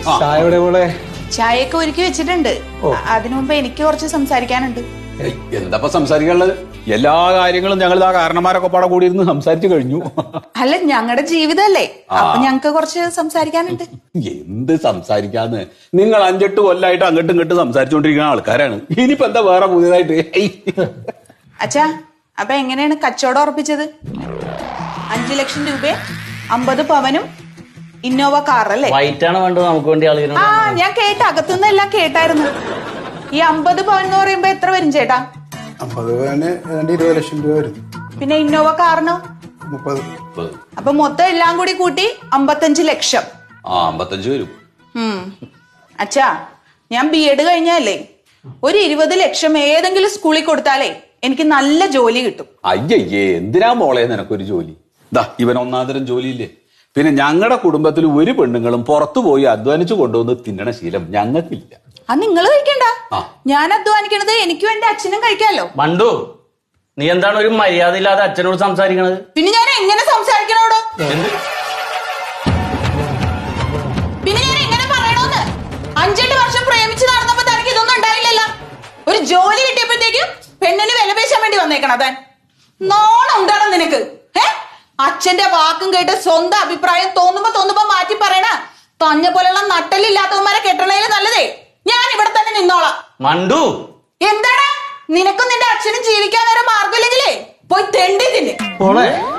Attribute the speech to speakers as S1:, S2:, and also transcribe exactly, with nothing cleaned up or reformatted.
S1: ചായയുടെ പോലെ
S2: ചായയൊക്കെ ഒരുക്കി വെച്ചിട്ടുണ്ട്. അതിനു മുമ്പ് എനിക്ക് കുറച്ച് സംസാരിക്കാനുണ്ട്.
S3: എന്താ സംസാരിക്കാനുള്ളത്? എല്ലാ കാര്യങ്ങളും ഞങ്ങൾ ആ കാരണന്മാരൊക്കെ പാടെ കൂടി ഇരുന്ന് സംസാരിച്ചു കഴിഞ്ഞു.
S2: അല്ല, ഞങ്ങളുടെ ജീവിതമല്ലേ, അപ്പൊ ഞങ്ങക്ക് കുറച്ച് സംസാരിക്കാനുണ്ട്.
S3: എന്ത് സംസാരിക്കാന്ന്? നിങ്ങൾ അഞ്ചെട്ട് കൊല്ലായിട്ട് അങ്ങോട്ടും ഇങ്ങോട്ടും സംസാരിച്ചുകൊണ്ടിരിക്കുന്ന ആൾക്കാരാണ്. ഇനിയിപ്പോ എന്താ വേറെ പുതിയതായിട്ട്?
S2: അച്ഛാ, അപ്പൊ എങ്ങനെയാണ് കച്ചവടം ഉറപ്പിച്ചത്? അഞ്ചു ലക്ഷം രൂപ, അമ്പത് പവനും ഇന്നോവ കാറല്ലേ?
S4: വൈറ്റാണ് വേണ്ടത് നമുക്ക് വേണ്ടി ആളുകൾ.
S2: ആ, ഞാൻ കേട്ട, അകത്തുനിന്ന് എല്ലാം കേട്ടായിരുന്നു. ഈ അമ്പത് പവൻ എന്ന് പറയുമ്പോ എത്ര വരും ചേട്ടാ?
S1: അമ്പത് പവന് ഇരുപത് ലക്ഷം രൂപ വരും.
S2: പിന്നെ ഇന്നോവ കാറിനോ?
S1: മുപ്പത്.
S2: അപ്പൊ മൊത്തം എല്ലാം കൂടി കൂട്ടി അമ്പത്തഞ്ച് ലക്ഷം.
S3: ആ, അമ്പത്തഞ്ച് വരും.
S2: ഉം അച്ഛാ, ഞാൻ ബി എഡ് കഴിഞ്ഞല്ലേ, ഒരു ഇരുപത് ലക്ഷം ഏതെങ്കിലും സ്കൂളിൽ കൊടുത്താലേ എനിക്ക് നല്ല ജോലി കിട്ടും.
S3: അയ്യയ്യേ, എന്തിനാ മോളെ നിനക്കൊരു ജോലി? ദാ ഇവൻ ഒന്നാന്തരം ജോലിയില്ലേ. പിന്നെ ഞങ്ങളുടെ കുടുംബത്തിൽ ഒരു പെണ്ണുങ്ങളും പുറത്തു പോയി അധ്വാനിച്ചു കൊണ്ടുവന്ന് തിന്നണ ശീലം ഞങ്ങൾക്കില്ല.
S2: അത് നിങ്ങൾ കഴിക്കണ്ട, ഞാൻ അധ്വാനിക്കണത് എനിക്കും എന്റെ അച്ഛനും കഴിക്കാലോ.
S4: മണ്ടു, നീ എന്താണ് ഒരു മര്യാദ ഇല്ലാതെ അച്ഛനോട് സംസാരിക്കണത്?
S2: പിന്നെ ഞാൻ എങ്ങനെ സംസാരിക്കണോടോ? പിന്നെ ഞാൻ എങ്ങനെ പറയണോന്ന്? അഞ്ചെട്ട് വർഷം പ്രേമിച്ച് നടന്നപ്പോ തനിക്ക് ഇതൊന്നും ഉണ്ടായില്ലല്ലോ. ഒരു ജോലി കിട്ടിയപ്പോഴത്തേക്കും പെണ്ണിന് വിലപേശാൻ വേണ്ടി വന്നേക്കണം. താൻ നോണം ഉണ്ടാണോ നിനക്ക്? ഏ അച്ഛന്റെ വാക്കും കേട്ട് സ്വന്തം അഭിപ്രായം തോന്നുമ്പോ തോന്നുമ്പോ മാറ്റി പറയണ തഞ്ഞ പോലെയുള്ള നട്ടലില്ലാത്തവന്മാരെ കെട്ടണേല് നല്ലതേ ഞാൻ ഇവിടെ തന്നെ നിന്നോളാം.
S4: മണ്ടു,
S2: എന്താടാ നിനക്കും നിന്റെ അച്ഛനും ജീവിക്കാൻ വേറെ മാർഗമില്ലെങ്കിലേ പോയി തെണ്ടി തിന്നെ.